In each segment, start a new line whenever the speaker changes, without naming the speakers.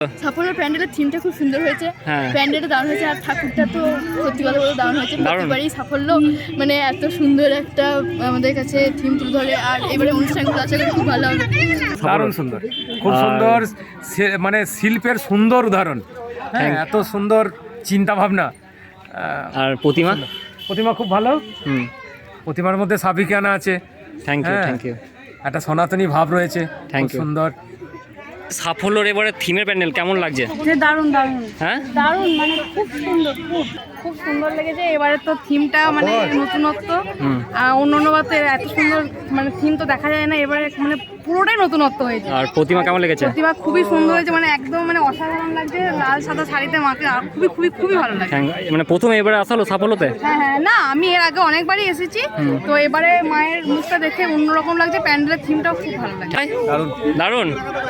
সাফল্যের প্যান্ডেলের থিমটা খুব সুন্দর হয়েছে।
হ্যাঁ।
প্যান্ডেলটা দারুণ হয়েছে আর ঠাকুরটা তো সত্যি কথা বলে দারুণ হয়েছে। প্রতিবারই সাফল্য মানে এত সুন্দর একটা আমাদের কাছে থিম তুলে ধরে আর এবারে অনুষ্ঠানগুলো আশা করি খুব ভালো হবে।
দারুণ সুন্দর, খুব সুন্দর, মানে শিল্পের সুন্দর উদাহরণ। হ্যাঁ, এত সুন্দর চিন্তা ভাবনা।
আর প্রতিমা
প্রতিমা খুব ভালো। প্রতিমার মধ্যে সাবিকানা আছে।
Thank you, thank you.
একটা সনাতনী ভাব রয়েছে,
Thank
খুব
you.
সুন্দর।
সাফল্যর এবারে থিমের প্যান্ডেল কেমন লাগছে?
দারুণ দারুণ
হ্যাঁ,
দারুণ মানে খুব সুন্দর, খুব সুন্দর লেগেছে। এবারে তো থিমটা মানে নতুনত্ব, অন্য বার তো এত সুন্দর মানে থিম তো দেখা যায় না, এবারে মানে পুরোটাই নতুনত্ব হয়েছে।
আর প্রতিমা কেমন লেগেছে?
প্রতিমা খুবই সুন্দর হয়েছে, মানে একদম মানে অসাধারণ লাগছে। লাল সাদা শাড়িতে মাকে আর খুবই খুবই খুবই ভালো লাগছে।
মানে প্রথমে এবারে আসা হলো সাফল্যতে?
হ্যাঁ হ্যাঁ, না আমি এর আগে অনেকবারই এসেছি, তো এবারে মায়ের মুখটা দেখে অন্যরকম লাগছে। প্যান্ডেলের থিমটাও খুব ভালো লাগছে।
দারুণ।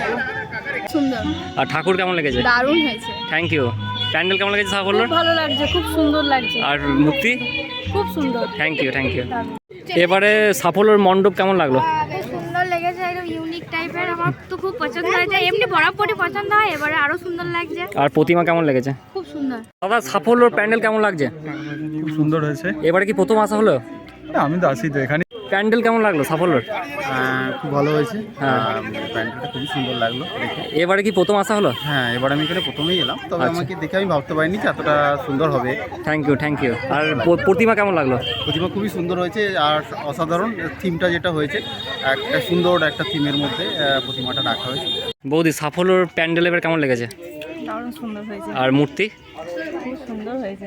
সুন্দর
আর ঠাকুর কেমন লেগেছে?
দারুণ হয়েছে।
Thank you. প্যান্ডেল কেমন লেগেছে সাফল্যর?
ভালো লাগছে, খুব সুন্দর লাগছে,
আর মূর্তি?
খুব সুন্দর।
Thank you, thank you. এবারে সাফল্যর মণ্ডপ কেমন লাগলো?
খুব সুন্দর লেগেছে, একদম ইউনিক টাইপের। আমার তো খুব পছন্দ হয়েছে, এমনি বরাবরই পছন্দ হয়, এবারে আরো সুন্দর লাগছে।
আর প্রতিমা কেমন লেগেছে?
খুব সুন্দর।
দাদা সাফল্যর প্যান্ডেল কেমন লাগছে?
খুব সুন্দর হয়েছে।
এবারে কি প্রথম আসা হলো?
আমি তো আসি তো এখানে।
প্যান্ডেল কেমন লাগলো সাফল্যর?
খুব ভালো হয়েছে।
হ্যাঁ,
প্যান্ডেলটা খুবই সুন্দর লাগলো দেখে।
এবারে কি প্রথম আসা হলো?
হ্যাঁ, এবার আমি এখানে প্রথমেই এলাম, তবে
আচ্ছা।
আমাকে দেখে আমি ভাবতে পারিনি যে এতটা সুন্দর হবে।
Thank you, thank you. আর প্রতিমা কেমন লাগলো?
প্রতিমা খুবই সুন্দর হয়েছে আর অসাধারণ থিমটা যেটা হয়েছে, একটা সুন্দর একটা থিমের মধ্যে প্রতিমাটা রাখা হয়েছে।
বৌদি সাফল্যর প্যান্ডেল এবার কেমন লেগেছে?
দারুণ সুন্দর হয়েছে,
আর মূর্তি?
খুব সুন্দর হয়েছে।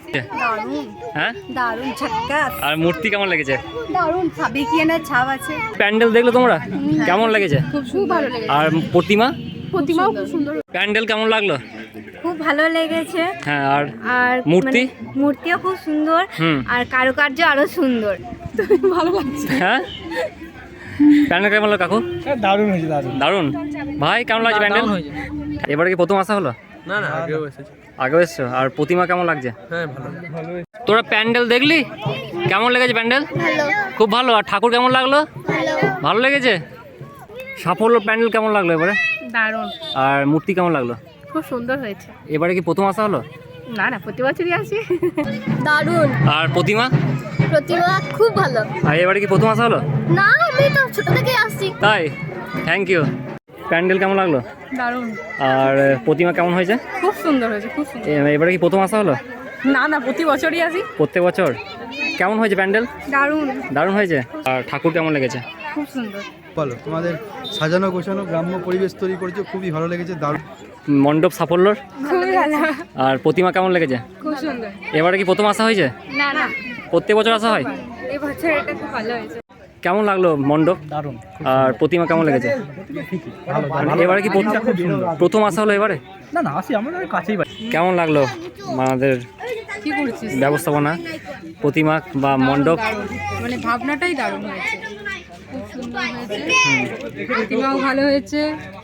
হ্যাঁ,
দারুণ ঝাক্কাস,
আর মূর্তি কেমন লেগেছে?
দারুণ সাবিকিয়ানের ছাপ আছে।
প্যান্ডেল দেখলো তোমরা? কেমন লেগেছে?
খুব ভালো লেগেছে।
আর প্রতিমা?
প্রতিমাও খুব সুন্দর।
প্যান্ডেল কেমন লাগলো?
খুব ভালো লেগেছে।
হ্যাঁ, আর
আর
মূর্তি?
মূর্তিও খুব সুন্দর, আর কারুকার্য আরো সুন্দর।
ভালো লাগছে।
হ্যাঁ, প্যান্ডেল কেমন লাগলো কাকু?
দারুণ হয়েছে, দারুণ।
দারুণ। ভাই কেমন লাগছে প্যান্ডেল? এবারে কি প্রথম আসা হলো?
না না, আগেও এসেছে।
আগেও এসছো। আর প্রতিমা কেমন লাগছে?
হ্যাঁ, ভালো ভালো।
তোরা প্যান্ডেল দেখলি? কেমন লেগেছে প্যান্ডেল? খুব ভালো। আর ঠাকুর কেমন লাগলো? ভালো লেগেছে। সাফল্য প্যান্ডেল কেমন লাগলো এবারে?
দারুণ,
আর মূর্তি কেমন লাগলো?
খুব সুন্দর হয়েছে।
এবারে কি প্রথম আসা হলো?
না না, প্রতি বছরই আসি।
দারুণ।
আর প্রতিমা?
প্রতিমা খুব ভালো।
আর এবারে কি প্রথম আসা হলো?
না, আমি তো ছোট থেকে আসছি।
তাই? Thank you. প্যান্ডেল কেমন লাগলো?
দারুণ,
আর প্রতিমা কেমন হয়েছে?
খুব সুন্দর হয়েছে, খুব সুন্দর।
এবারে কি প্রথম আসা হলো?
না না, প্রতি বছরই আসি।
প্রত্যেক বছর? কেমন হয়েছে প্যান্ডেল?
দারুণ,
দারুণ হয়েছে। আর ঠাকুর কেমন লেগেছে?
খুব সুন্দর।
ভালো, তোমাদের সাজানো গোছানো গ্রাম্য পরিবেশ তৈরি করেছে, খুবই ভালো লেগেছে, দারুণ।
মণ্ডপ সাফল্যর?
খুবই ভালো,
আর প্রতিমা কেমন লেগেছে?
খুব সুন্দর।
এবারে কি প্রথম আসা হয়েছে?
না না,
প্রত্যেক বছর আসা হয়?
এই বছর এটা খুব ভালো হয়েছে।
কেমন লাগলো মণ্ডপ?
দারুণ।
আর প্রতিমা কেমন লেগেছে? এবারে কি প্রথম আসা হলো এবারে?
না না, আসি আমাদের কাছেই বাড়ি।
কেমন লাগলো আমাদের
কি করছিস?
ব্যবস্থাপনা, প্রতিমা বা মণ্ডপ?
মানে ভাবনাটাই দারুণ হয়েছে, খুব সুন্দর হয়েছে। প্রতিমাও ভালো হয়েছে।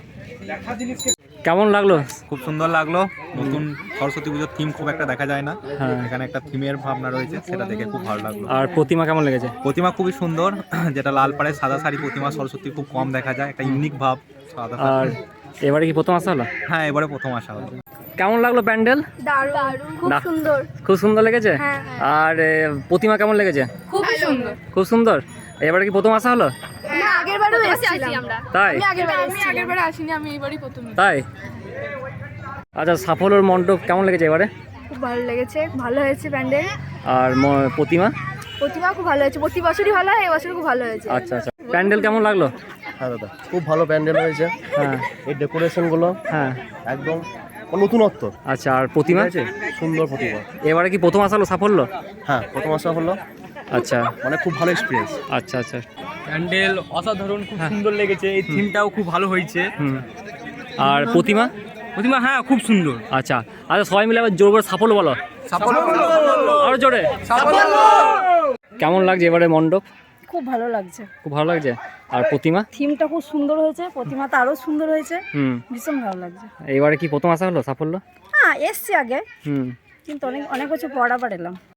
কেমন লাগলো?
খুব সুন্দর লাগলো। নতুন সরস্বতী পুজোর থিম খুব একটা দেখা যায় না,
হ্যাঁ।
এখানে একটা থিমের ভাবনা রয়েছে, সেটা দেখে খুব ভালো লাগলো।
আর প্রতিমা কেমন লেগেছে?
প্রতিমা খুবই সুন্দর, যেটা লাল পাড়ের সাদা শাড়ি প্রতিমা সরস্বতী খুব কম দেখা যায়, একটা ইউনিক ভাব সাদা
আর
শাড়ি।
এবারে কি প্রথম আসা হলো?
হ্যাঁ, এবারে প্রথম আসা হলো।
কেমন লাগলো প্যান্ডেল?
দারুণ, খুব
না।
সুন্দর।
খুব সুন্দর লেগেছে।
হ্যাঁ।
আর প্রতিমা কেমন লেগেছে?
খুব সুন্দর।
খুব সুন্দর। এবারে কি প্রথম আসা হলো?
না, আগের বারও এসেছিলাম আমরা।
তাই?
আমি আগের বারে আসিনি, আমি এবারই প্রথম।
তাই? আচ্ছা, সাফল্যর মণ্ডপ কেমন লেগেছে এবারে?
খুব ভালো লেগেছে, ভালো হয়েছে প্যান্ডেল।
আর প্রতিমা?
প্রতিমা খুব ভালো হয়েছে, প্রতি বছরই ভালো হয়, এবছর খুব ভালো হয়েছে।
আচ্ছা আচ্ছা। প্যান্ডেল কেমন লাগলো?
হ্যাঁ দাদা, খুব ভালো প্যান্ডেল হয়েছে।
হ্যাঁ
এই ডেকোরেশনগুলো
হ্যাঁ।
একদম নতুনত্ব।
আচ্ছা, আর প্রতিমা?
সুন্দর প্রতিমা।
এবারে কি প্রথম আসা হলো সাফল্য?
হ্যাঁ, প্রথম আসা হলো,
আচ্ছা
মানে খুব ভালো এক্সপিরিয়েন্স।
আচ্ছা আচ্ছা।
প্যান্ডেল অসাধারণ, খুব সুন্দর লেগেছে। এই থিমটাও খুব ভালো হয়েছে।
হুম। আর প্রতিমা?
প্রতিমা হ্যাঁ খুব সুন্দর।
আচ্ছা আচ্ছা, সবাই মিলে আবার জোর করে সাফল্য বলো। আরো জোরে। কেমন লাগছে এবারে মণ্ডপ?
খুব ভালো লাগছে,
খুব ভালো লাগছে। আর প্রতিমা?
থিমটা খুব সুন্দর হয়েছে, প্রতিমাটা আরো সুন্দর হয়েছে,
হুম।
ভীষণ ভালো লাগছে।
এবারে কি প্রথম আসা হলো সাফল্য?
হ্যাঁ, এসছি আগে,
হুম।
কিন্তু অনেক অনেক কিছু পর আবার এলাম।